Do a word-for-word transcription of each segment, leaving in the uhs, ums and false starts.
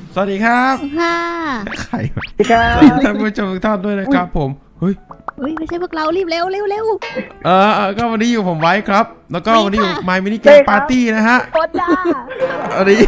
สวัสดีครับค่ะใครสวัสดีครับดีท่านผู้ชมทุกท่านด้วยนะครับผมเฮ้ยเฮ้ยไม่ใช่พวกเรารีบเร็วเร็วเร็วเออเออก็วันนี้อยู่ผมไว้ครับ แล้วก็วันนี้อยู่ My Mini Game Party นะฮะโคตรจ้าอันนี้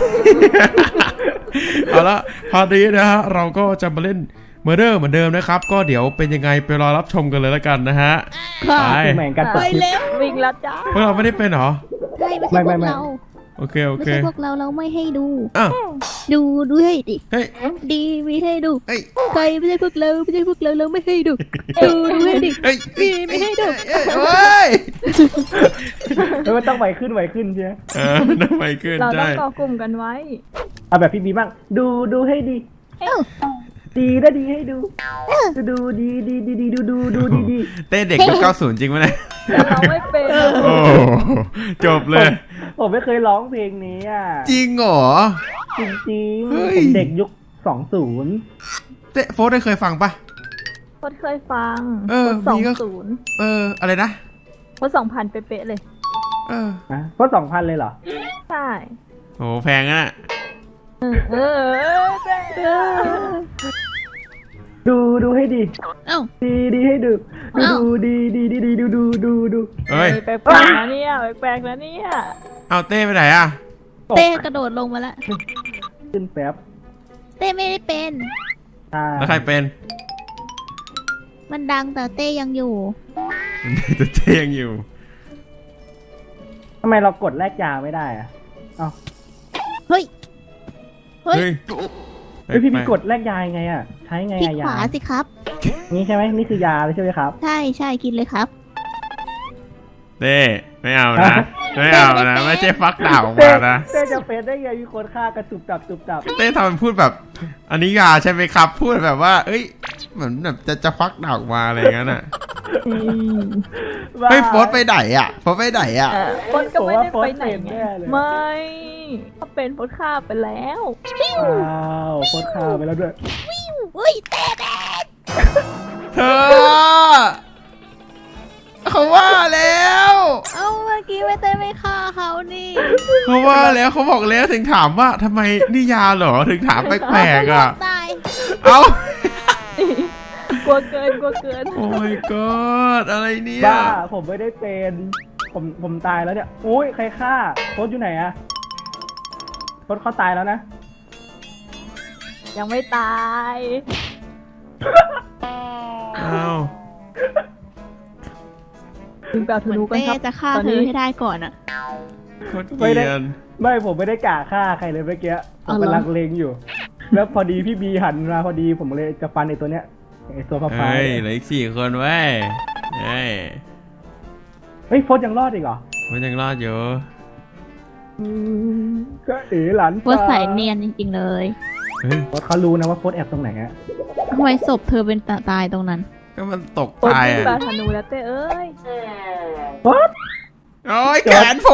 เอาละพาร์ตี้นะฮะเราก็จะมาเล่นเมอร์เดอร์เหมือนเดิมนะครับ ก็เดี๋ยวเป็นยังไงไปรอรับชมกันเลยแล้วกันนะฮะค่ะไปเหมือนกันไปเร็ววิ่งแล้วจ้าพวกเราไม่ได้เป็นเหรอใช่ไม่ใช่พวกเราโอเคโอไม่เคใช่พวกเราเราไม่ให้ดูอ้าวดูดูให้ดิเฮ้ยดีไม่ให้ดูเฮ้ยใครไม่ใช่พวกเราไม่ใช่พวกเราเราไม่ให้ดูดูดูให้ดิเฮ้ยดีไม่ให้ดูเอ้ยเฮ้ยแล้วมันต้องไหวขึ้นไหวขึ้นใช่ไหมเออทำไมขึ้นเราต้อใช่งก่อกลุ่มกันไว้เอาแบบพี่บีบ้างดูดูให้ดีเอ้าดีนะดีให้ดูดูดูดีดีดีดีดูดูดูดีดีเต้เด็กยุคเก้าสิบจริงไหมเนี่ยแต่เราไม่เป็นโอ้จบเลยผมไม่เคยร้องเพลงนี้อ่ะจริงเหรอจริงจริงเฮ้ยผมเด็กยุคสองศูนย์เต้โฟร์ได้เคยฟังปะพดเคยฟังเออสองมีก็ศูนย์เอออะไรนะพดสองพันเป๊ะๆเลยเออนะเพราะสองพันเลยเหรอใช่โหแพงอะน่ะเออเออเออดูดูให้ดีเอ้าดีดีให้ดูดูเอ้าดูดีดีดีดีดูดูดูดูเฮ้ยแปลกๆนะเนี่ยแปลกๆนะเนี่ยเอาเต้ไปไหนอะเต้กระโดดลงมาละขึ้นแป๊บเต้ไม่ได้เป็นอ่าแล้วใครเป็นมันดังแต่เต้ยังอยู่แต่เต้ยังอยู่ทำไมเรากดแลกยาไม่ได้อ่ะเอ้าเฮ้ยเฮ้ยเฮ้ยเฮ้ยพี่ไปพี่กดแลกยายังไงอ่ะใช้ไงพลิกอะขยาวาสิครับนี่ใช่ไหมนี่คือยาเลยใช่ไหมครับใช่ใช่กินเลยครับเต้ไม่เอานะไม่เอานะไม่ใช่ฟักดาบออกเต้มานะเต้จะเป็นได้ไงมีคนฆ่ากันตุบตับตุบตับเต้ทำเป็นพูดแบบ อันนี้ยาใช่ไหมครับ พูดแบบว่า เอ้ยเหมือนแบบจะจะฟักดาบออกมาอะไรอย่างนั้นอ่ะเฮ้ยโฟร์ไปไหนอ่ะโฟร์ไปไหนอ่ะเออพดก็ไม่ได้ไปไหนไงไม่ถ้าเป็นพดฆ่าไปแล้วว้าวโคตรฆ่าไปแล้วด้วยเฮ้ยเต้เต้เธอเขาว่าแล้วเอ้าเมื่อกี้ไม่เต้ไม่ฆ่าเขานี่เขาว่าแล้วเขาบอกแล้วถึงถามว่าทำไมนี่ยาเหรอถึงถามแปลกๆอ่ะตายเอ้ากลัวเกินกลัวเกินโอ้ my god อะไรเนี่ยบ้าผมไม่ได้เป็นผมผมตายแล้วเนี่ยอุ้ยใครฆ่าโคตรอยู่ไหนอะโคตรเขาตายแล้วนะยังไม่ตายอ้าวถึงแบบธเหมือนนูกันเต้ครับจะฆ่าตอนเธนี้อให้ได้ก่อนอะโคตรเกลียนไม่ผมไม่ได้กะฆ่าใครเลยเมื่อกี้ผมอ๋อเหรอกำลังเลงอยู่ แล้วพอดีพี่บีหันมาพอดีผมเลยจะฟันไอ้ตัวเนี้ยไอ้ตัวฟ้าฟ้าเฮ้ยเหลืออีกสี่คนเว้ยเฮ้ยเฮ้ยโฟสยังรอดอีกเหรอมันยังรอดอยู่อืมก็เอ๋หลานโคตรใส่เนียนจริงๆเลยเฮ้ยโฟสเขารู้นะว่าโฟสแอบตรงไหนฮะทำไมศพเธอเป็นตายตรงนั้นก็มันตกพดตายวิ่งอ่ะแบบธนูแล้วเต้เอ้ยโฟสโอ้ยแขนโผล่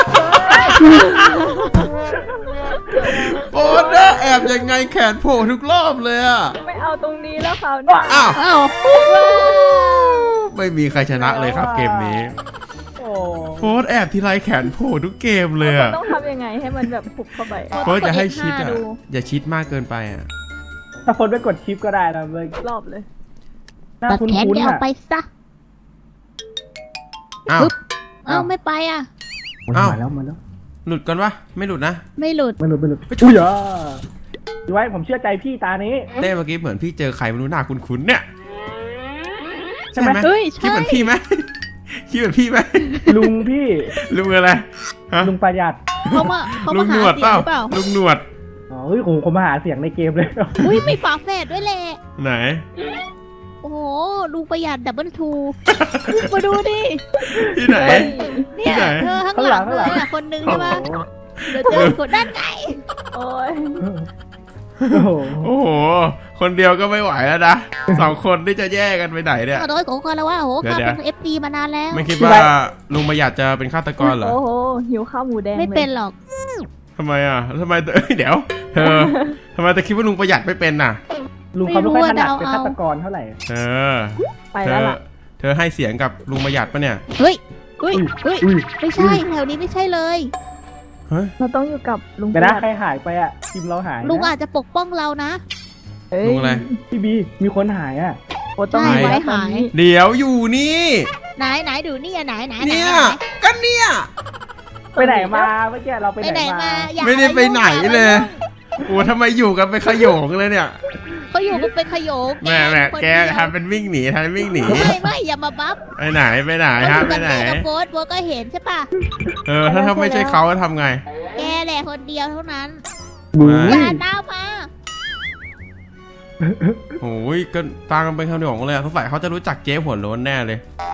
โอ้ยนะแอบยังไงแขนโผล่ทุกรอบเลยอ่ะไม่เอาตรงนี้แล้วเขาเนี่ยอ้าวอ้าวไม่มีใครชนะเลยครับเกมนี้โอ้โฟร์แอบทีไรแขนโผล่ทุกเกมเลยอ่ะต้องทำยังไงให้มันแบบผุบเข้าไปโฟร์จะให้ชิดอ่ะดูอย่าชิดมากเกินไปอ่ะถ้าโฟสไปกดชิปก็ได้นะเมื่อกี้รอบเลยหน้าตัดคุ้นแขนๆเดี๋ยวอ่ะไปซะอ้าวปึ๊บ เอ้าไม่ไปอ่ะโอ้ยอ้าวมาแล้วมาแล้วหลุดกันวะไม่หลุดนะไม่หลุดไม่หลุดไม่หลุดอุ้ยอ่ะดูไว้ผมเชื่อใจพี่ตานี้เต้เมื่อกี้เหมือนพี่เจอใครไม่รู้หน้าคุ้นๆเนี่ยใช่ไหมเฮ้ยคิดใช่เหมือนพี่ไหมคิดเหมือนพี่ไหมลุงพี่ลุงอะไรฮะลุงประหยัดเขามาเขาลุมางหหานวดเสีเปยงล่าหรือเปล่าลุงหนวดอ๋อเฮ้ยผมผมมาหาเสียงในเกมเลยอุ้ยมีฝาแฝดด้วยแหละไหนโอ้โหลุงประหยัดดับเบิลทูมาดูดิที่ไหนเนี่ยที่ไหนเธอข้างหลังเลยอ่ะคนนึงใช่ปะเดี๋ยวเจอคนด้านไงโอ้ยโอ้โหโอ้โห คนเดียวก็ไม่ไหวแล้วนะสองคนที่จะแยกกันไปไหนเนี่ยขอโทษขอคนแล้วว่าโอ้โหเดี๋ยวข้าเป็นเอฟซีมานานแล้วไม่คิดว่าลุงประหยัดจะเป็นฆาตกรเหรอโอ้โหหิวข้าวหมูแดงไม่เป็นหรอกทำไมอ่ะทำไมเอ้ยเดี๋ยว เธอทำไมเธอคิดว่าลุงประหยัดไม่เป็นน่ะลุงเขาไม่ค่อยถนัดเป็นฆาตกรเท่าไหร่เออไปเธแล้วอล่ะเธอให้เสียงกับลุงประหยัดปะเนี่ยเฮ้ยเฮ้ยเฮ้ยอุ้ยไม่ใช่แถวนี้ไม่ใช่เลยเฮ้ยเราต้องอยู่กับลุงเดี๋ยวนะประหใครยัดหายไปอ่ะทีมเราหายนะลุงอาจจะปกป้องเรานะเอ้ยลุงอะไรพี่บีมีคนหายอ่ะโอ้ต้องใช่ไว้ไว้หาหาย ยเดี๋ยวอยู่นี่ไหนไหนดูนี่อะไหนไหนไหนเนี่ยไหนก็เนี่ยไปไหนมาเมื่อกี้เราไปไปไหไหนนมามาอย่าไม่ได้ไปไหนอาาเลยยุ่งโอ้ทำไมอยู่กันเป็นขโยงเลยเนี่ยเขาอยู่กันเป็นขโยงแม่แม่คนแกเดียวทำเป็นวิ่งหนีทำเป็นวิ่งหนีไม่ไม่อย่ามาบัฟไปไหนไปไหนเขาอฮะยู่ไปกับไหนแม่กับโฟสโฟสก็เห็นใช่ปะเออถ้าถ้าไม่ใช่เขาจะทำไงแกแหละคนเดียวเท่านั้นบูไม่อย่าตามมาโอ้ยก็ตามกันเป็นขโยงเลยอะสงสัยเขาจะรู้จักเจ๊หัวโล้นแน่เลย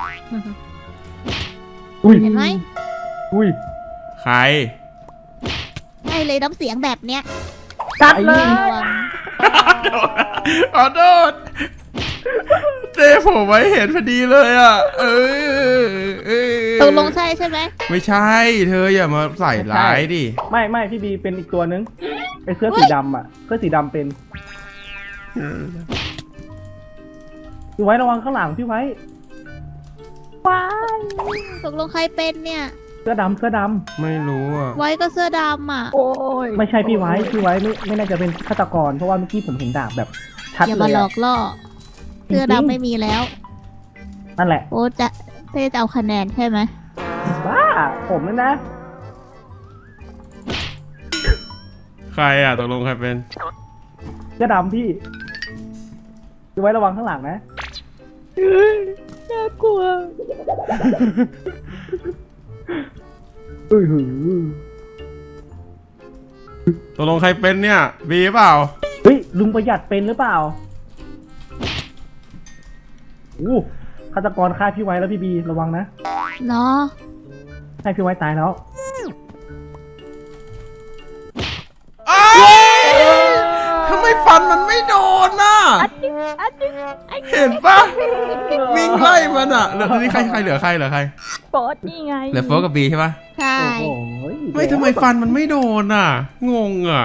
อุ้ยเห็นไหมอุ้ยใครใช่เลยน้ำเสียงแบบเนี้ยกัดเลยระวังขอโทษเจ๊ผมไว้เห็นพอดีเลยอ่ะ เออเออตกลงใช่ใช่ไหมไม่ใช่ เธออย่ามาใส่ร้ายดิไม่ไม่พี่บีเป็นอีกตัวนึงไอ้เสื้อสีดำอ่ะเสื้อสีดำเป็นพี่ไว้ระวังข้างหลังพี่ไว้ว้ายตกลงใครเป็นเนี่ยเสื้อดำเสื้อดไม่รู้อ่ะไว้ก็เสื้อดำอ่ะโอ้ยำไม่ใช่พี่ไว้พี่ไว้ไม่ไม่น่าจะเป็นฆาตกรเพราะว่าเมื่อกี้ผมเห็นดาบแบบชัดอย่าเลมาย หลออะกล่อ เสื้อดำไม่มีแล้วนั่นแหละโอ้จะเต้จะเอาคะแนนใช่ไหมบ้าผมนั่นนะใครอ่ะตกลงใครเป็นเสื้อดำพี่พี่ไว้ระวังข้างหลังนะน่ากลัวเอ้ยหือตกลงใครเป็นเนี่ยบีเปล่าเฮ้ยลุงประหยัดเป็นหรือเปล่าอู้ฆาตกรฆ่าพี่ไว้แล้วพี่บีระวังนะเนาะให้พี่ไว้ตายแล้วอ้าวทำไมฟันมันไม่โดนน่ะอันนี้ไอ้เห็นปะวิ่งไล่มันอ่ะเหลือตอนนี้ใครใครเหลือใครเหลือใครโป๊ดนี่ไงเหลือโฟกับบีใช่ปะใช่โอ้โหไม่ทำไมฟันมันไม่โดนอ่ะ งงอ่ะ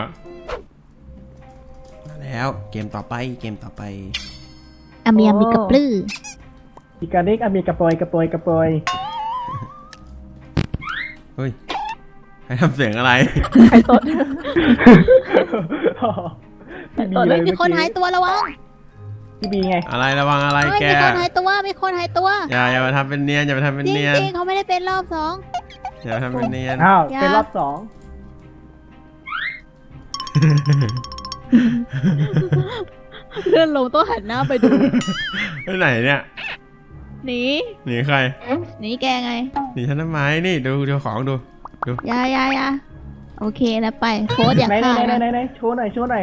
มาแล้วเกมต่อไปเกมต่อไปอาเมียมีกระปลื้ออีกาเด็กอเมริกาปอยกระปอยกระปอยเฮ้ยใครทำเสียงอะไรไข่ตดพี่บีตอนเลนี้ยมีเมื่อคนหายกี้ตัวระวังพี่บีไงอะไรระวังอะไรเฮ้ยแกมีคนหายตัวมีคนหายตัวอย่าอย่ามาทำเป็นเนียนอย่ามาทำเป็นจริงเนียนจริงเขาไม่ได้เป็นรอบสองอย่ามาทำเป็นเนียนอ้าวอย่าเป็นรอบสองเลื่อนลงต้องหันหน้าไปดูไปไหนเนี่ยหนีหนีใครหนีแกไงหนีฉันทำไมนี่ดูดูของดูอยาอยาอยาโอเคแล้วไปโค้ดอย่าไหนไหนฆ่าไหนไหนนะไหนโชว์หน่อยโชว์หน่อย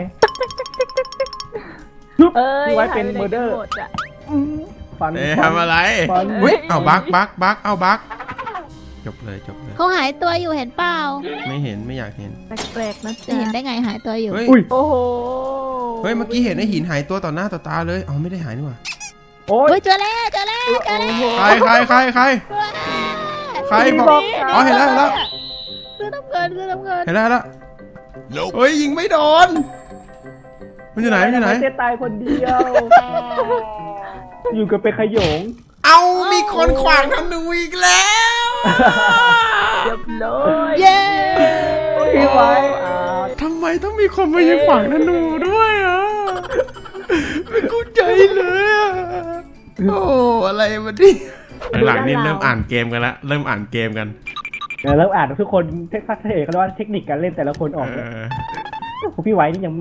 เอ้ยพี่ไว้เป็นหายเมอร์เดอร์ไหนกันหมดอะฟันเอ๊ะฟันทำอะไรฟันอุ้ยเอาบักบักบักเอาบักจบเลยจบเลยเขาหายตัวอยู่เห็นเปล่าไม่เห็นไม่อยากเห็นแปลกๆนะจะจ๊ะเห็นได้ไงหายตัวอยู่เฮ้ยอุ้ยโอ้โหเฮ้ยเมื่อกี้เห็นไอ้หินหายตัวต่อหน้าต่อตาเลยเอาไม่ได้หายนี่หว่าโอ้ยเฮ้ยเจอแล้วเจอแล้วเจอแล้วใครใครใครใครใครบอกอ๋อเห็นแล้วเห็นแล้วซื้อน้ำเงินซื้อน้ำเงินเห็นแล้วเห็นแล้วเฮ้ยยิงไม่โดนมันอยู่ไหนมันอยู่ไหนเจ๊ตายคนเดียว อยู่กับเป็นขโยงเอามีคนขวางธนูอีกแล้วเรียบร้อยเย้พี่ไว้อ่าทำไมต้องมีคนมายิงขวางธนูด้วยอ่ะไม่เข้าใจเลยอ่ะโอ้อะไรมาดิหลังๆนี่เริ่มอ่านเกมกันละเริ่มอ่านเกมกันเดี๋ยวเราอ่านทุกคนเทคนิคเขาเรียกว่าเทคนิคการเล่นแต่ละคนออกเอเลยอพี่ไว้นี่ยัง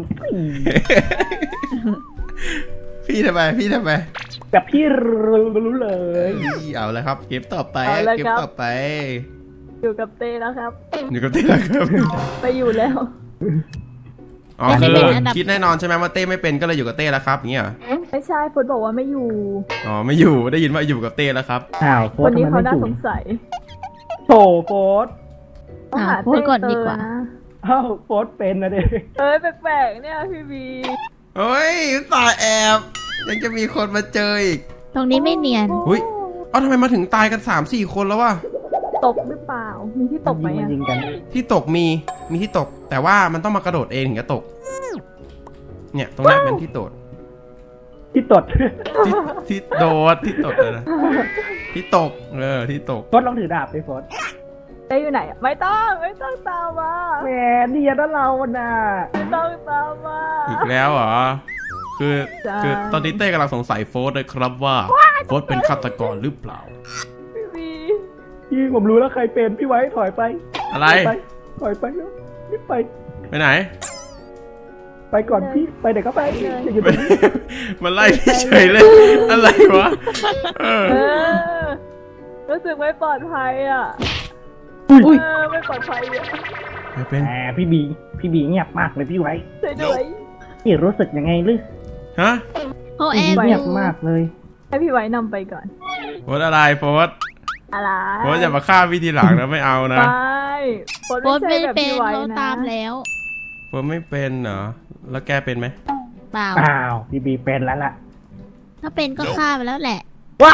พี่ทำไมพี่ทำไมแบบพี่รู้เลยเอาแล้วครับ เกมต่อไปเอาละเกมครับต่อไปอยู่กับเต้แล้วครับอยู่กับเต้แล้วครับไปอยู่แล้วอ๋อคือคิดแน่นอนใช่ไหมว่าเต้ไม่เป็นก็เลยอยู่กับเต้แล้วครับอย่างเงี้ยเหรอไม่ใช่ฟุตบอกว่าไม่อยู่อ๋อไม่อยู่ได้ยินว่าอยู่กับเต้แล้วครับอ้าวโพสวันต์นี้ทำไมเขาไม่น่าถูสกงสัยโถโพสต์ต้องหาหาโค้ดก่อนดีกว่าเต้เจอนะอ้าวโพสต์เป็นนะเด็กเอ้ยแปลกๆเนี่ยพี่บีเฮ้ยตายแอบยังจะมีคนมาเจออีกตรงนี้ไม่เนียนอุ๊ย เอ้าทำไมมาถึงตายกันสามสี่คนแล้ววะตกหรือเปล่า มีที่ตกไหมยิงมันอะยิงกันที่ตกมีมีที่ตก แต่ว่ามันต้องมากระโดดเองถึงจะตก เนี่ยตรงนี้เป็นที่โดดที่ตดที่ที่โดดที่ตกเลยนะที่ตกเออที่ตกโพสต์ลองถือดาบไปโพสต์เต้อยู่ไหนอะไม่ต้องไม่ต้องตามมาแหมเนียนนะเราน่ะไม่ต้องตามมาอีกแล้วเหรอคือใช่คือตอนนี้เต้กำลังสงสัยโฟสเลยครับว่าโฟสเป็นฆาตกรหรือเปล่าพี่บีพี่ผมรู้แล้วใครเป็นพี่ไว้ถอยไปอะไรถอยไปถอยไปแล้วรีบไปไปไหนไปก่อนพี่ไปเดี๋ยวก็ไปอย่าอยู่ตรงนี้มันไล่พี่เฉยเลยอะไรวะเออเออรู้สึกไม่ปลอดภัยอ่ะอุ้ยเออไม่ปลอดภัยอ่ะไม่เป็นแหมพี่บีพี่บีเงียบมากเลยพี่ไว้ช่วยด้วยพี่รู้สึกยังไงลึฮะเขาแอพี่บเงีอยบยู่มากเลยให้พี่ไว้นำไปก่อนโฟสอะไรโฟสอะไรโฟสอย่ามาฆ่าพี่ทีหลังนะไม่เอานะไม่โฟนโบทไม่ไม่ใช่แบบเป็นพี่ไว้เขานะตามแล้วโฟสไม่เป็นเหรอแล้วแกเป็นไหมเปล่าอ้าวพี่บีเป็นแล้วล่ะถ้าเป็นก็ฆ่าไปแล้วแหละว้า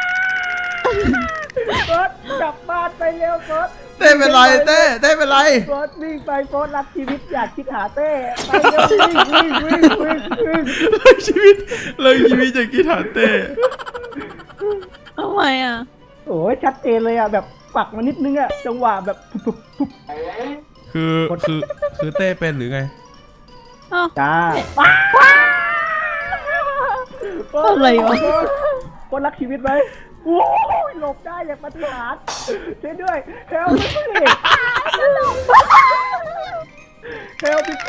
โฟดกลับบ้านไปเร็วโฟดเต้เป็นไรเต้เต้เป็นไรโฟดวิ่งไปโฟดรักชีวิตอยากคิดหาเต้ไปเร็ววิ่งวิ่งวิ่งวิ่งวิ่งเลิกชีวิตเลิกชีวิตจากกีตาร์เต้ทำไมอ่ะโอ้ยชัดเจนเลยอ่ะแบบปักมานิดนึงอ่ะจังหวะแบบปุ๊บปุ๊บคือคือคือเต้เป็นหรือไงอ้าวจ้าอะไรวะโฟดรักชีวิตไหมโอ้ยหลบได้อย่างปาฏิหาริย์ช่วยด้วยเฮลพี่เฮลพี่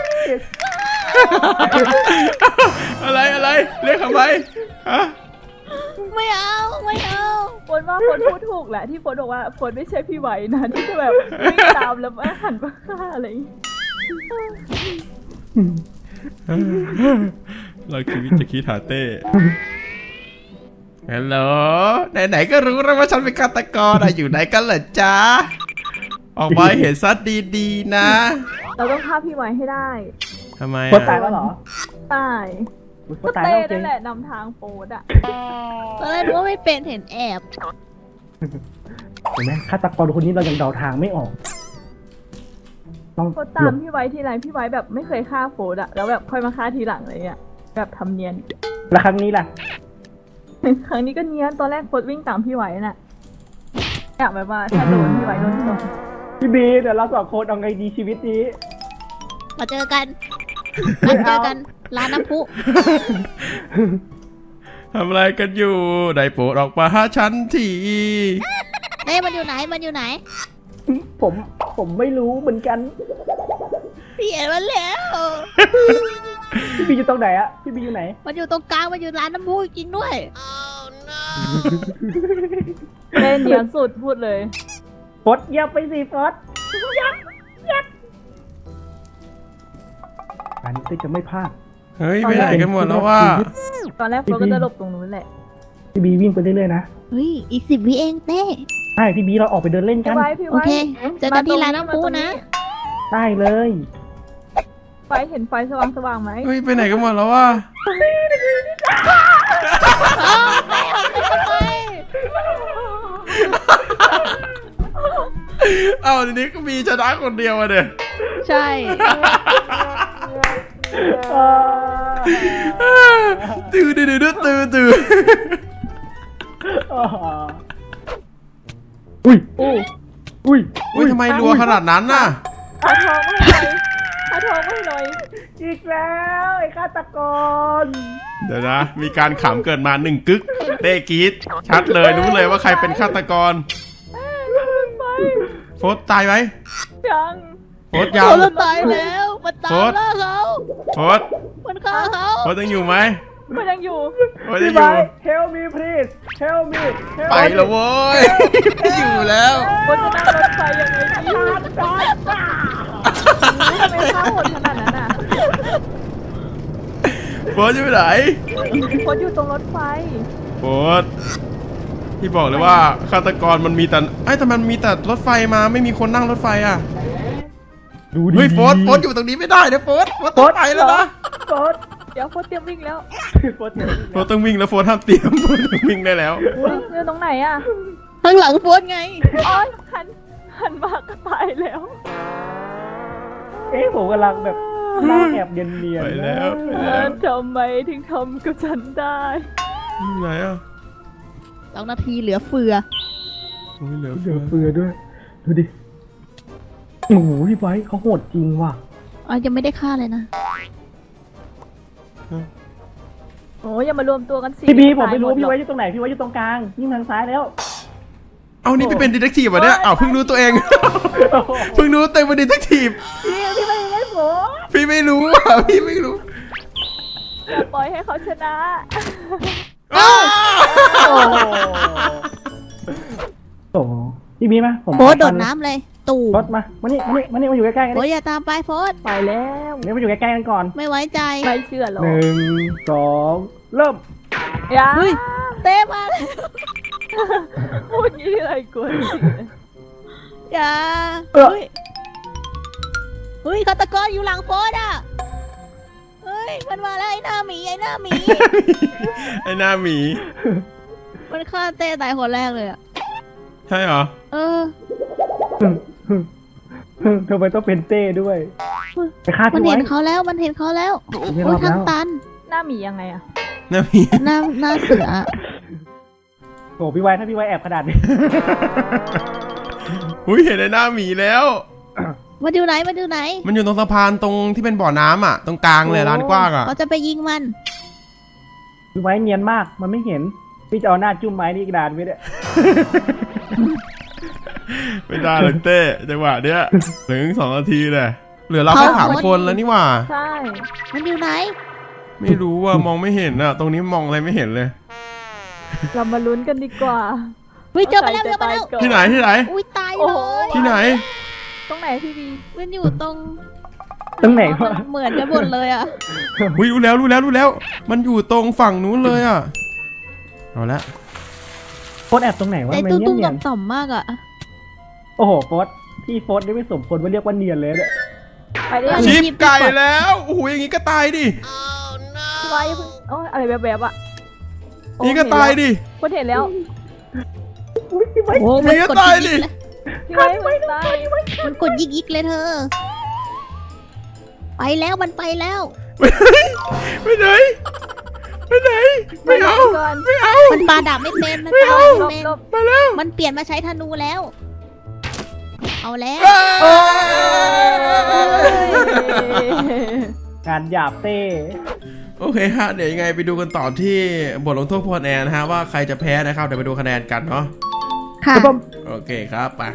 อะไรอะไรเรียกทำไมฮะไม่เอาไม่เอาโฟนว่าโฟนพูดถูกแหละที่โฟนบอกว่าโฟนไม่ใช่พี่ไว้นะที่จะแบบวิ่งตามแล้วมาหันมาฆ่าอะไรอย่างงี้เราชีวิตจากกีตาร์เต้ฮัลโหลไหนๆก็รู้แล้วว่าฉันเป็นฆาตกรอะอยู่ไหนกันเหรอจ๊ะออกมาเห็นซัดดีๆนะเราต้องฆ่าพี่ไว้ให้ได้ทำไมโฟดตายอะแล้วเหรอตายโฟก็ดตายเต้แล้วจรินั่งนแหละนำทางโฟดอ่ะตอนแรกรู้ว่าไม่เป็นเห็นแอบเห็นไหมฆาตกรคนนี้เรายังเดาทางไม่ออกต้องโฟดตามพี่ไว้ทีไรพี่ไว้แบบไม่เคยฆ่าโฟดอ่ะแล้วแบบค่อยมาฆ่าทีหลังอะไรเงี้ยแบบทำเนียนแล้วครั้งนี้ล่ะครั้งนี้ก็เนียนตอนแรกโฟดวิ่งตามพี่ไว้น่ะอยากแบบว่าถ้าโดนพี่ไว้โดนก่อนพี่บีเดี๋ยวเราสองคนเอาไงดีชีวิตนี้มาเจอกันมาเจอกันร้านน้ำพุทำอะไรกันอยู่ได้โปรดออกมาหาฉันทีเต้มันอยู่ไหนมันอยู่ไหนผมผมไม่รู้เหมือนกันพี่เห็นมันแล้วพี่บีอยู่ตรงไหนอะพี่บีอยู่ไหนมันอยู่ตรงกลางมันอยู่ร้านน้ำพุจริงด้วยเต้เนียนสุดพูดเลยฟดเยียบไปสิฟดเยียบเยียบอันนี้เต้จะไม่พลาดเฮ้ยไปไหนกันหมดแล้วว่าตอนแรกโฟดก็จะหลบตรงนู้นแหละพี่บีวิ่งไปเรื่อยๆนะเฮ้ยอีกสิบวิเองเต้ใช่พี่บีเราออกไปเดินเล่นกัพี่นไว้พี่โอไว้เคเจอกันที่ร้านน้ำพุนะได้เลยไฟเห็นไฟสว่างสว่างๆไหมเฮ้ยไปไหนกันหมดแล้วว่าอ้าวเต้ออกไปทำไมเอ้าทีนี้ก็มีชนะคนเดียวอะเด้อใช่ตื่นตื่นตื่นตื่นตื่นอุ้ยอู้อุ้ยอุ้ยทำไมรัวขนาดนั้นน่ะหาทองไม่หน่อยหาทองไม่หน่อยอีกแล้วไอ้ฆาตกรเดี๋ยวนะ มีการขำเกิดมาหนึ่งกึกเต้กรีดชัดเลยรู้เลยว่าใครเป็นฆาตกรไปโฟสตายไหมยังโฟสยังเขาตายแล้วมันตามโฟสล่าเขาโฟสมันฆ่าเขาโฟสยังอยู่ไหมมันยังอยู่โฟสยัพี่งอไบยู่ help me please help me help ไปแล้วโว้ยไม่อยู่แล้วคนจะนั่งรถไฟยังไงดีทำไมข้าวโหดขนาดนั้นอ่ะโฟสอยู่ไหนคนอยู่ตรงรถไฟโฟสที่บอกเลยว่าฆาตกรมันมีแต่ไอ้ยแต่มันมีแต่รถไฟมาไม่มีคนนั่งรถไฟอ่ะดูดิเฮ้ยโฟสโฟสอยู่ตรงนี้ไม่ได้นะโฟสโฟสต้องไปแล้วนะโฟดเดี๋ยวโฟเตรียมวิ่งแล้วโฟดเนี่ยโฟสต้องวิ่งแล้วโฟสห้ามเตรียมโฟสต้องวิ่งได้แล้วเรื่องตรงไหนอ่ะข้างหลังโฟนไงอ๋อหันหันมาก็ตายแล้วเอ๊ะผมกำลังแบบหน้าแอบเนียนๆไปแล้วไปเอแล้วอทำไมถึงทำกับฉันได้อยู่ไหนอ่ะสองนาทีเหลือเฟือโอ้ยเหลือเดืเฟืออเฟือด้วย ดูดิโอ้โหพี่ไว้เขาโหดจริงว่ะอ๋อยังไม่ได้ฆ่าเลยนะโอ้ยอย่ามารวมตัวกันสิพี่บีผมไม่รู้ตายหดพี่หรอกไว้อยู่ตรงไหนพี่ไว้อยู่ตรงกลางยิ่งทางซ้ายแล้วเอานี่พี่เป็นดีเทคทีฟเหรอเนี่ยอ้าวเพิ่งรู้ตัวเอง เพิ่งรู้ตัวเองเป็นดีเทคทีฟพี่พี่ไม่ได้ผมพี่ไม่รู้อ่ะพี่ไม่รู้อย่าปล่อยให้เขาชนะอ้าวโอ้โหโอ้โหพี่บีมาผมโพสต์โดดน้ำเลยตู่รถมามานี่มานี่มานี่มาอยู่ใกล้ๆกันโพสนี่ต์อย่าตามไปโพสต์ไปแล้วเดี๋ยวมาอยู่ใกล้ๆกันก่อนไม่ไว้ใจไม่เชื่อหรอกหนึ่งสองเริ่มอย่าเฮ้ยเต้มาเลยพูดยี่อะไรกวนอย่าเออเฮ้ยเฮ้ยฆาตกรอยู่หลังโพสต์อ่ะเฮ้ยมันมาแล้วไอ้หน้าหมีไอ้หน้าหมีไอ้หน้าหมีมันฆ่าเต้ตายคนแรกเลยอ่ะใช่เหรอเออทำไมต้องเป็นเต้ด้วยไปฆ่ามันพี่เห็ไว้นเขาแล้วมันเห็นเขาแล้วไม่รโอ้อย ดทางแล้วตันหน้าหมียังไงอะหน้าหมีหน้าหน้าเสือโอ้พี่ไว้ถ้าพี่ไว้แอบขนาดนี้อุ้ยเห็นไอ้หน้าหมีแล้วมาดูไหนมาดูไหนมันอยู่ตรงสะพานตรงที่เป็นบ่อน้ำอ่ะ ตรงกลางเลยร้านกว้างอ่ะเราจะไปยิงมันพี่ไว้เนียนมากมันไม่เห็นพี่จะเอาหน้าจุ่มไม้นี่อีกนานไม่ได้ไม่ได้เลยเต้จังหวะเนี้ยถึงสองนาทีเลยเหลือเราแค่เขาสามคนแล้วนี่หว่าใช่มันอยู่ไหนไม่รู้ว่ามองไม่เห็นอ่ะ ตรงนี้มองอะไรไม่เห็นเลยเรามาลุ้นกันดีกว่าเฮ้ยเจอมาแล้วใครเจอมาแล้วจะตยก่อที่ไหนที่ไหนอุ้ยตายโอ้เลโหยที่ไหนตรงไหนพี่บีมันอยู่ตรงตรงไหนวะมันเหมือนกันหมดเลยอ่ะอุ้ยรู้แล้วรู้แล้วรู้แล้ว มันอยู่ตรงฝั่งนู้นเลยอ่ะ เอาละโฟสแอบตรงไหนวะใจมันตุ้มเนียตุ้มนเนียนต่อมๆมากอ่ะโอ้โหโฟสพี่โฟสนี่ไม่สมควรว่าเรียกว่าเนียนเลยเนี่ยไปได้อัยังนนี้ชิปไก่แล้วโอ้โหอย่างงี้ก็ตายดิพี่ไว้เพิ่งโอ้ยอะไรแบบๆอะโอ้นี่ก็ตายดิคนเห็นแล้วอุ๊ยพี่ไว้โอ้มันก็กดตายยิดิกๆเลยพี่ไว้คนตายมันกดยิกยิกๆเลยเธอ ไปแล้วมันไปแล้วไปไหนไปไหนไม่เอาก่อนไม่เอามันปาดาบไม่เป็นมันไม่ปาเอาดาบไม่หลเป็นบมาแล้วมันเปลี่ยนมาใช้ธนูแล้ว เอาแล้วงานหยาบเต้โอเคฮะเดี๋ยวยังไงไปดูกันต่อที่บทลงโทษพรแอนนะฮะว่าใครจะแพ้นะครับเดี๋ยวไปดูคะแนนกันเนาะค่ะครับผมโอเคครับไป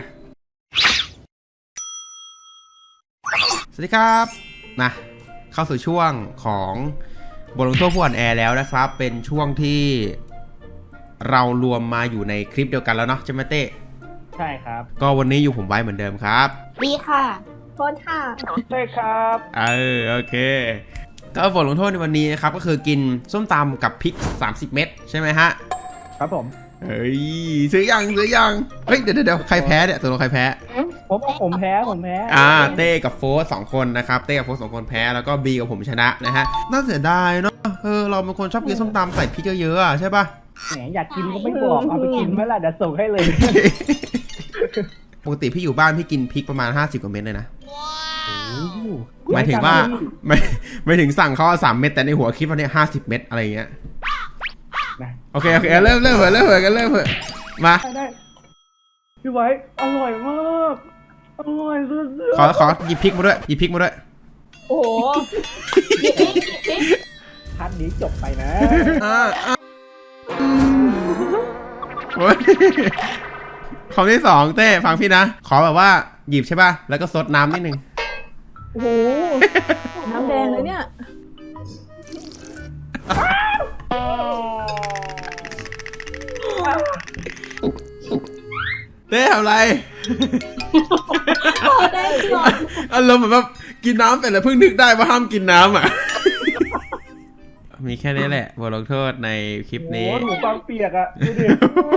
สวัสดีครับนะเข้าสู่ช่วงของบทลงโทษผู้อ่อนแอแล้วนะครับ เป็นช่วงที่เรารวมมาอยู่ในคลิปเดียวกันแล้วเนาะใช่ไหมเต้ใช่ครับก็วันนี้อยู่ผมไว้เหมือนเดิมครับดีค่ะโทษค่ะใช่ครับเออโอเคก็บทลงโทษในวันนี้นะครับก็คือกินส้มตำกับพริกสามสิบเม็ดใช่ไหมฮะครับผมเฮ้ยซื้อยังซื้อยังเฮ้ยเดี๋ยวเดี๋ยวใครแพ้เนี่ยตัวเราใครแพ้ผมผมแพ้ผมแพ้อ่าเต้กับโฟสสองคนนะครับเต้กับโฟสสองคนแพ้แล้วก็บีกับผมชนะนะฮะน่าเสียดายเนาะเออเราเป็นคนชอบกินส้มตำใส่พริกเยอะๆอะใช่ปะแหมอยากกินก็ไม่บอกเอาไปกินเมื่อไหร่เดี๋ยวส่งให้เลยปกติพี่อยู่บ้านพี่กินพริกประมาณห้าสิบกว่าเม็ดเลยนะหมายถึงว่าไม่ไม่ถึงสั่งเขาสามเม็ดแต่ในหัวคลิปวันนี้ห้าสิบเม็ดอะไรอย่างเงี้ยนะโอเคโอเคเริ่มเริ่มเถอะเริ่มเถอะกันเริ่มเถอะมาได้ได้พี่ไว้อร่อยมากอร่อยสุดขอขอหยิบพริกมาด้วยหยิบพริกมาด้วยโอ้โหๆพาร์ทนี้จบไปนะอ่าอ่าโอ้ยคำที่สองเต้ฟังพี่นะขอแบบว่าหยิบใช่ป่ะแล้วก็ซดน้ำนิดนึงโอ้โหน้ำแดงเลยเนี่ยเต้ทำอะไรได้ก่อนอารมณ์เหมือนแบบกินน้ำเสร็จแล้วเพิ่งนึกได้ว่าห้ามกินน้ำอ่ะ มีแค่นี้แหละบทลงโทษในคลิปโอ้นี้โหหนูฟังเปียกอะดูดิ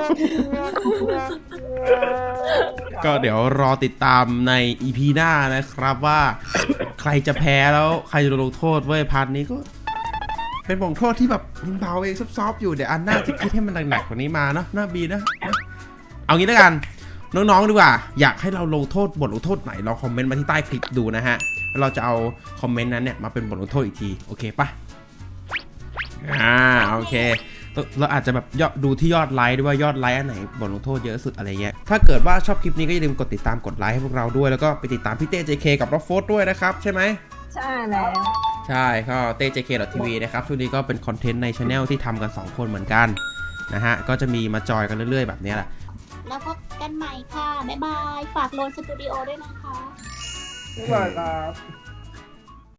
ก็เดี๋ยวรอติดตามใน อี พี หน้านะครับว่า ใครจะแพ้แล้วใครจะโดนลงโทษเว้ยพาร์ทนี้ก็ เป็นบทลงโทษที่แบบเบาเองซอฟๆอยู่เดี๋ยวอันหน้าจะคิดให้มันหนักๆกว่านี้มาเนาะหน้าบีนะ เอางี้แล้วกันน้องๆดีกว่าอยากให้เราลงโทษบทลงโทษไหนลองคอมเมนต์มาที่ใต้คลิปดูนะฮะแล้วเราจะเอาคอมเมนต์นั้นเนี่ยมาเป็นบทลงโทษอีกทีโอเคปะอ่าโอเคเราอาจจะแบบยอดดูที่ยอดไลค์ด้วยว่ายอดไลค์อันไหนบทลงโทษเยอะสุดอะไรเงี้ยถ้าเกิดว่าชอบคลิปนี้ก็อย่าลืมกดติดตามกดไลค์ให้พวกเราด้วยแล้วก็ไปติดตามพี่เต้ เจ เค กับรอฟโฟสด้วยนะครับใช่ไหมใช่แล้วใช่ก็เต้ เจ เค ที วี นะครับช่วงนี้ก็เป็นคอนเทนต์ในช anel ที่ทำกันสองคนเหมือนกันนะฮะก็จะมีมาจอยกันเรื่อยๆแบบนี้แหละแล้วพบกันใหม่ค่ะ บ๊ายบาย ฝากโลนสตูดิโอด้วยนะคะบ๊ายบายครับ